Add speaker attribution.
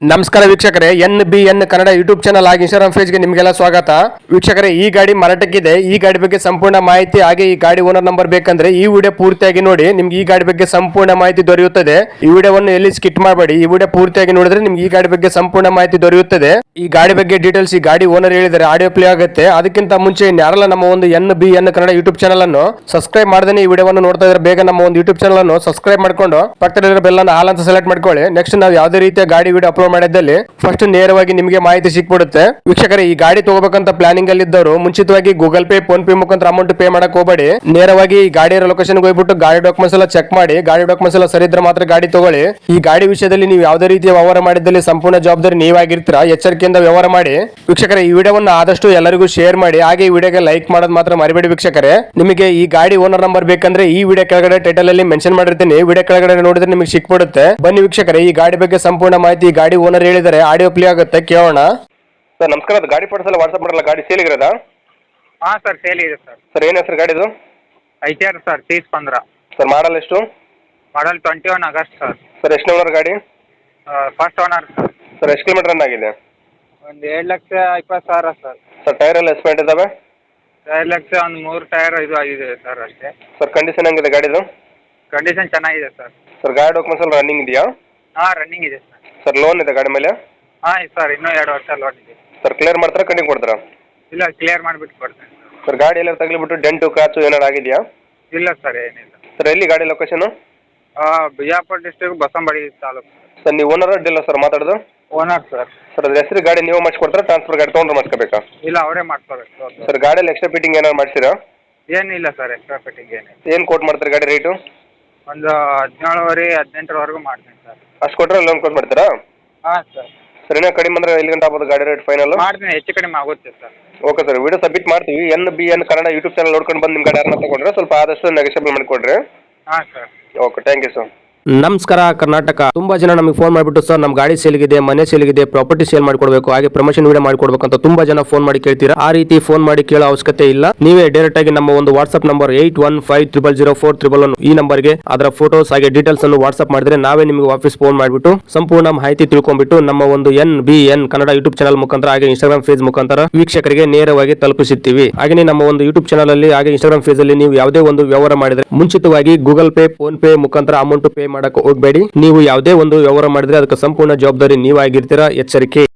Speaker 1: ನಮಸ್ಕಾರ ವೀಕ್ಷಕರೇ, NBN Kannada YouTube channel ಹಾಗೆ ಇನ್ಸ್ಟಾಗ್ರಾಮ್ ಪೇಜ್ಗೆ ನಿಮಗೆಲ್ಲ ಸ್ವಾಗತ. ವೀಕ್ಷಕರೇ, ಈ ಗಾಡಿ ಮಾರಾಟಕ್ಕಿದೆ. ಈ ಗಾಡಿ ಬಗ್ಗೆ ಸಂಪೂರ್ಣ ಮಾಹಿತಿ ಹಾಗೆ ಈ ಗಾಡಿ ಓನರ್ ನಂಬರ್ ಬೇಕಂದ್ರೆ ಈ ವಿಡಿಯೋ ಪೂರ್ತಿಯಾಗಿ ನೋಡಿ. ನಿಮ್ಗೆ ಈ ಗಾಡಿ ಬಗ್ಗೆ ಸಂಪೂರ್ಣ ಮಾಹಿತಿ ದೊರೆಯುತ್ತದೆ. ಈ ವಿಡಿಯೋವನ್ನು ಎಲ್ಲಿ ಸ್ಕಿಪ್ ಮಾಡಬೇಡಿ. ಈ ವಿಡಿಯೋ ಪೂರ್ತಿಯಾಗಿ ನೋಡಿದ್ರೆ ನಿಮ್ಗೆ ಈ ಗಾಡಿ ಬಗ್ಗೆ ಸಂಪೂರ್ಣ ಮಾಹಿತಿ ದೊರೆಯುತ್ತದೆ. ಈ ಗಾಡಿ ಬಗ್ಗೆ ಡೀಟೇಲ್ಸ್ ಈ ಗಾಡಿ ಓನರ್ ಹೇಳಿದರೆ ಆಡಿಯೋ ಪ್ಲೇ ಆಗುತ್ತೆ. ಅದಕ್ಕಿಂತ ಮುಂಚೆ ಯಾರೆಲ್ಲ ನಮ್ಮ ಒಂದು NBN ಕನ್ನಡ ಯೂಟ್ಯೂಬ್ ಚಾನಲ್ ಅನ್ನು ಸಬ್ಸ್ಕ್ರೈಬ್ ಮಾಡದೇ ಈ ವಿಡಿಯೋವನ್ನು ನೋಡ್ತಾ ಇದ್ರೆ ಬೇಗ ನಮ್ಮ ಒಂದು ಯೂಟ್ಯೂಬ್ ಚಾನಲ್ ಅನ್ನು ಸಬ್ಸ್ಕ್ರೈಬ್ ಮಾಡ್ಕೊಂಡು ಪಕ್ಕದಲ್ಲಿರೋ ಬೆಲ್ ಅನ್ನು ಆಲ್ ಅಂತ ಸೆಲೆಕ್ಟ್ ಮಾಡ್ಕೊಳ್ಳಿ. ನೆಕ್ಸ್ಟ್ ನಾವು ಯಾವುದೇ ರೀತಿಯ ಗಾಡಿ ವಿಡಿಯೋ ಅಪ್ಲೋಡ್ ಮಾಡಿದ್ದಲ್ಲಿ ಫಸ್ಟ್ ನೇರವಾಗಿ ನಿಮಗೆ ಮಾಹಿತಿ ಸಿಕ್ಬಿಡುತ್ತೆ. ವೀಕ್ಷಕರೇ, ಈ ಗಾಡಿ ತಗೋಬೇಕಂತ ಪ್ಲಾನಿಂಗ್ ಅಲ್ಲಿ ಇದ್ದವರು ಮುಂಚಿತವಾಗಿ ಗೂಗಲ್ ಪೇ, ಫೋನ್ ಪೇ ಮುಖಾಂತರ ಅಮೌಂಟ್ ಪೇ ಮಾಡಕ್ ಹೋಗಬೇಡಿ. ನೇರವಾಗಿ ಈ ಗಾಡಿಯ ಲೊಕೇಶನ್ ಹೋಗ್ಬಿಟ್ಟು ಗಾಡಿ ಡಾಕ್ಯುಮೆಂಟ್ಸ್ ಎಲ್ಲ ಚೆಕ್ ಮಾಡಿ. ಗಾಡಿ ಡಾಕ್ಯುಮೆಂಟ್ಸ್ ಎಲ್ಲ ಸರಿ ಇದ್ರೆ ಮಾತ್ರ ಗಾಡಿ ತಗೊಳ್ಳಿ. ಈ ಗಾಡಿ ವಿಷಯದಲ್ಲಿ ನೀವು ಯಾವುದೇ ರೀತಿಯ ವ್ಯವಹಾರ ಮಾಡಿದ್ದಲ್ಲಿ ಸಂಪೂರ್ಣ ಜವಾಬ್ದಾರಿ ನೀವಾಗಿರ್ತೀರಾ. ಎಚ್ಚರಿಕೆಯಿಂದ ವ್ಯವಹಾರ ಮಾಡಿ. ವೀಕ್ಷಕರೇ, ಈ ವಿಡಿಯೋವನ್ನು ಆದಷ್ಟು ಎಲ್ಲರಿಗೂ ಶೇರ್ ಮಾಡಿ. ಹಾಗೆ ಈ ವಿಡಿಯೋಗೆ ಲೈಕ್ ಮಾಡೋದು ಮಾತ್ರ ಮರಿಬೇಡಿ. ವೀಕ್ಷಕರೇ, ನಿಮಗೆ ಈ ಗಾಡಿ ಓನರ್ ನಂಬರ್ ಬೇಕಂದ್ರೆ ಈ ವಿಡಿಯೋ ಕೆಳಗಡೆ ಟೈಟಲ್ ಅಲ್ಲಿ ಮೆನ್ಷನ್ ಮಾಡಿರ್ತೀನಿ. ವಿಡಿಯೋ ಕೆಳಗಡೆ ನೋಡಿದ್ರೆ ನಿಮಗೆ ಸಿಕ್ಬಿಡುತ್ತೆ. ಬನ್ನಿ ವೀಕ್ಷಕರೇ, ಈ ಗಾಡಿ ಬಗ್ಗೆ ಸಂಪೂರ್ಣ ಮಾಹಿತಿ ಗಾಡಿ ಓನರ್ ಹೇಳಿದರೆ ಆಡಿಯೋ ಪ್ಲೇ ಆಗುತ್ತೆ, ಕೇಳೋಣ. ಸರ್ ನಮಸ್ಕಾರ, ಅದು ಗಾಡಿ ಫೋಟೋಸ್ ಎಲ್ಲ ವಾಟ್ಸಪ್ ಮಾಡಲ್ಲ. ಗಾಡಿ ಸೇಲ್ ಇರೋದಾ?
Speaker 2: ಹಾಂ ಸರ್, ಸೇಲ್ ಇದೆ ಸರ್.
Speaker 1: ಸರ್ ಏನು ಹೆಸರು ಗಾಡಿದು?
Speaker 2: ITR sir, 3015.
Speaker 1: ಸರ್ ಮಾಡಲ್ ಎಷ್ಟು?
Speaker 2: Model 21 August sir.
Speaker 1: ಸರ್ ಎಷ್ಟು ಓನರ್ ಗಾಡಿ?
Speaker 2: First owner sir.
Speaker 1: ಸರ್ ಎಷ್ಟು ಕಿಲೋಮೀಟರ್ ರನ್ ಆಗಿದೆ?
Speaker 2: ಒಂದು 7,20,000 ಸರ್.
Speaker 1: ಸರ್ ಟೈರ್ ಎಲ್ಲ ಎಸ್ಪೆಂಟ್ ಇದಾವೆ?
Speaker 2: 2,00,000 ಒಂದು 3 ಟೈರ್ ಇದು ಆಗಿದೆ ಸರ್ ಅಷ್ಟೇ.
Speaker 1: ಸರ್ ಕಂಡೀಷನ್ ಹೆಂಗಿದೆ ಗಾಡಿದು?
Speaker 2: ಕಂಡೀಷನ್ ಚೆನ್ನಾಗಿದೆ ಸರ್.
Speaker 1: ಸರ್ ಗಾಡಿ ಡಾಕ್ಯುಮೆಂಟ್ಸ್ ಎಲ್ಲ ರನ್ನಿಂಗ್ ಇದೆಯಾ?
Speaker 2: ಹಾಂ, ರನ್ನಿಂಗ್ ಇದೆ ಸರ್.
Speaker 1: ಸರ್ ಲೋನ್ ಇದೆ ಗಾಡಿ ಮೇಲೆ?
Speaker 2: ಹಾಂ ಸರ್, ಇನ್ನೂ 2 ವರ್ಷ ಲೋನ್ ಇದೆ.
Speaker 1: ಸರ್ ಕ್ಲಿಯರ್ ಮಾಡ್ತಾರಾ ಕಂಟಿನ್ಯೂ ಕೊಡ್ತಾರಾ?
Speaker 2: ಇಲ್ಲ, ಕ್ಲಿಯರ್ ಮಾಡಿಬಿಟ್ಟು ಕೊಡ್ತೇನೆ.
Speaker 1: ಸರ್ ಗಾಡಿ ಎಲ್ಲ ತಗಲಿಬಿಟ್ಟು ಡೆಂಟು ಕ್ರಾಚು ಏನಾರು ಆಗಿದೆಯಾ?
Speaker 2: ಇಲ್ಲ ಸರ್, ಏನಿಲ್ಲ.
Speaker 1: ಸರ್ ಎಲ್ಲಿ ಗಾಡಿ location?
Speaker 2: Bijapur district Basavanabadi taluk.
Speaker 1: Sir ನೀವು ಓನರ್ ಡೀಲರ್ ಸರ್ ಮಾತಾಡೋದು?
Speaker 2: Owner sir.
Speaker 1: ಸರ್ ಅದ್ರ ಹೆಸರು ಗಾಡಿ ನೀವು ಮಾಡಿಸ್ಕೊಡ್ತಾರಾ ಟ್ರಾನ್ಸ್ಫರ್ ಗಾಡಿ ತೊಗೊಂಡ್ರೆ ಮಾಡಿಸ್ಕೋಬೇಕಾ?
Speaker 2: ಇಲ್ಲ, ಅವರೇ ಮಾಡ್ಕೋಬೇಕು.
Speaker 1: ಸರ್ ಗಾಡಿಯಲ್ಲಿ ಎಕ್ಸ್ಟ್ರಾ ಫಿಟ್ಟಿಂಗ್ ಏನಾರು ಮಾಡಿಸಿರಾ?
Speaker 2: ಏನಿಲ್ಲ ಸರ್, ಎಕ್ಸ್ಟ್ರಾ ಫಿಟ್ಟಿಂಗ್ ಏನಿಲ್ಲ.
Speaker 1: ಏನು ಕೋಟ್ ಮಾಡ್ತಾರೆ ಗಾಡಿ ರೇಟು?
Speaker 2: ಒಂದು 17,500 18,000ವರೆಗೂ ಮಾಡ್ತೀನಿ ಸರ್.
Speaker 1: ಅಷ್ಟು ಕೊಟ್ಟರೆ ಲೋನ್ ಕೊಟ್ಟು ಮಾಡ್ತೀರಾ?
Speaker 2: ಹಾಂ ಸರ್.
Speaker 1: ಸರ್ ಇನ್ನೂ ಕಡಿಮೆ ಅಂದರೆ ಎಲ್ಲಿ ಗಂಟೆ ಆಗ್ಬೋದು ಗಾಡಿ ರೇಟ್ ಫೈನಲ್?
Speaker 2: ಮಾಡ್ತೀನಿ, ಹೆಚ್ಚು ಕಡಿಮೆ ಆಗುತ್ತೆ sir.
Speaker 1: Okay sir, video submit ಮಾಡ್ತೀವಿ. NBN ಕನ್ನಡ ಯೂಟ್ಯೂಬ್ ಚಾನಲ್ ನೋಡ್ಕೊಂಡು ಬಂದು ನಿಮ್ಮ ಗಾಡಿ ಯಾರನ್ನ ತೊಗೊಂಡ್ರೆ ಸ್ವಲ್ಪ ಆದಷ್ಟು ನೆಗೋಷಿಯಬಲ್ ಮಾಡಿಕೊಡ್ರಿ.
Speaker 2: ಹಾಂ sir.
Speaker 1: Okay, thank you sir.
Speaker 3: ನಮಸ್ಕಾರ ಕರ್ನಾಟಕ. ತುಂಬಾ ಜನ ನಮಗೆ ಫೋನ್ ಮಾಡಿಬಿಟ್ಟು ಸರ್ ನಮ್ಮ ಗಾಡಿ ಸೇಲ್ಗಿದೆ, ಮನೆ ಸೇಲ್ಗಿದೆ, ಪ್ರಾಪರ್ಟಿ ಸೇಲ್ ಮಾಡ್ಕೊಡ್ಬೇಕು, ಹಾಗೆ ಪ್ರಮೋಷನ್ ವಿಡಿಯೋ ಮಾಡ್ಕೊಡ್ಬೇಕು ಅಂತ ತುಂಬಾ ಜನ ಫೋನ್ ಮಾಡಿ ಕೇಳ್ತೀರಾ. ಆ ರೀತಿ ಫೋನ್ ಮಾಡಿ ಕೇಳೋ ಅವಶ್ಯಕತೆ ಇಲ್ಲ. ನೀವೇ ಡೈರೆಕ್ಟ್ ಆಗಿ ನಮ್ಮ ಒಂದು ವಾಟ್ಸ್ಆಪ್ ನಂಬರ್ 81500411 ಈ ನಂಬರ್ಗೆ ಅದರ ಫೋಟೋಸ್ ಹಾಗೆ ಡೀಟೇಲ್ಸ್ ಅನ್ನು ವಾಟ್ಸ್ಆಪ್ ಮಾಡಿದ್ರೆ ನಾವೇ ನಿಮಗೆ ವಾಪಸ್ ಫೋನ್ ಮಾಡಿಬಿಟ್ಟು ಸಂಪೂರ್ಣ ಮಾಹಿತಿ ತಿಳ್ಕೊಂಡ್ಬಿಟ್ಟು ನಮ್ಮ ಒಂದು NBN ಕನ್ನಡ ಯೂಟ್ಯೂಬ್ ಚಾನಲ್ ಮುಖಾಂತರ ಹಾಗೆ ಇನ್ಸ್ಟಾಗ್ರಾಮ್ ಪೇಜ್ ಮುಖಾಂತರ ವೀಕ್ಷಕರಿಗೆ ನೇರವಾಗಿ ತಲುಪಿಸುತ್ತೀವಿ. ಹಾಗೆ ನಮ್ಮ ಒಂದು ಯೂಟ್ಯೂಬ್ ಚಾನಲ್ ಅಲ್ಲಿ ಹಾಗೆ ಇನ್ಸ್ಟಾಗ್ರಾಮ್ ಪೇಜ್ ಅಲ್ಲಿ ನೀವು ಯಾವುದೇ ಒಂದು ವ್ಯವಹಾರ ಮಾಡಿದ್ರೆ ಮುಂಚಿತವಾಗಿ ಗೂಗಲ್ ಪೇ, ಫೋನ್ ಪೇ ಮುಖಾಂತರ ಅಮೌಂಟ್ ಪೇ ಮಾಡಕ್ಕೆ ಹೋಗಬೇಡಿ. ನೀವು ಯಾವುದೇ ಒಂದು ವ್ಯವಹಾರ ಮಾಡಿದ್ರೆ ಅದಕ್ಕೆ ಸಂಪೂರ್ಣ ಜವಾಬ್ದಾರಿ ನೀವಾಗಿರ್ತೀರಾ. ಎಚ್ಚರಿಕೆ.